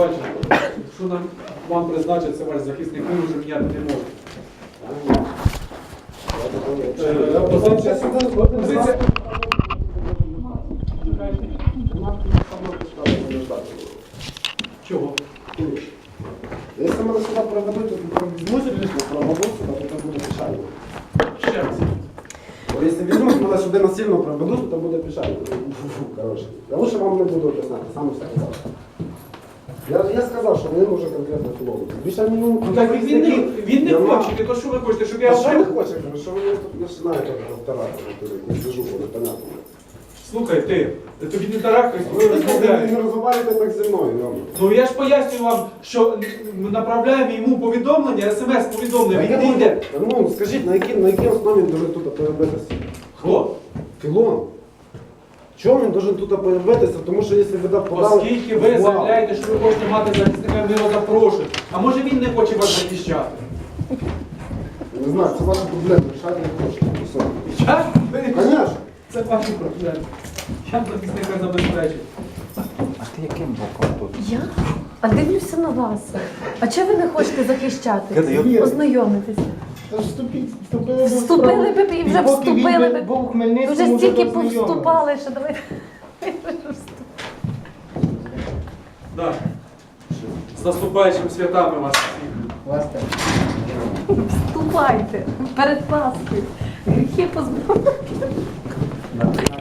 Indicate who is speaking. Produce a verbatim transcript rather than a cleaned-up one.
Speaker 1: бачимо, що нам вам призначить, це ваш захисник, ми вже міняти не можемо. Е, Позиція. Позиція. Чого?
Speaker 2: Если мы сюда проведут, то візьмуть лично проведуть сюди, то це буде пішально.
Speaker 1: Ще раз.
Speaker 2: Якщо візьмуть мене сюди насильно проведуть, то буде пішально. Коротше. Я лучше вам не буду об'ясняти, сам все казав. Я, я сказав, що мені може конкретно філологу. Більше мені...
Speaker 1: Ну так він не, він не хоче, то що ви хочете, щоб я
Speaker 2: А що ви
Speaker 1: говорив?
Speaker 2: хочете? Що ви тут починаєте повторати? Не сижу, непонятно.
Speaker 1: Слухай, ти, тобі не тарахкайся, ви
Speaker 2: Ви не
Speaker 1: розмовляєте.
Speaker 2: розмовляєте так зі мною, Йома.
Speaker 1: Ну я ж пояснюю вам, що ми направляємо йому повідомлення, смс-повідомлення, він не йде.
Speaker 2: Ну, скажіть, на якій, на якій основі він должен тут появитися?
Speaker 1: Хто?
Speaker 2: Філон. Чому він должен тут появитися? Тому що якщо ви так подали...
Speaker 1: Оскільки ви заявляєте, що ви хочете мати захисника, ми його запрошуємо. А може він не хоче вас захищати?
Speaker 2: Не знаю, це ваша проблема, рішати не хочете. Все.
Speaker 1: Я?
Speaker 2: Конечно.
Speaker 1: Це ваші проблеми. Я захисника забезпечу.
Speaker 3: А ти яким боком тут?
Speaker 4: Я? А дивлюся на вас. А чого ви не хочете захищати?
Speaker 3: Кидай,
Speaker 4: Ознайомитися.
Speaker 5: Та ж вступіть, вступили би в
Speaker 4: Вступили
Speaker 5: справу.
Speaker 4: б і вже
Speaker 5: поки він
Speaker 4: вступили
Speaker 5: би
Speaker 4: б.
Speaker 5: був у Хмельницькому,
Speaker 4: Вже
Speaker 5: вже
Speaker 4: стільки
Speaker 5: дознайомились.
Speaker 4: повступали, що давайте.
Speaker 1: Да. З наступаючими святами вас всіх.
Speaker 5: Вас теж.
Speaker 4: Вступайте перед Пасхою. Гріхи позбавте.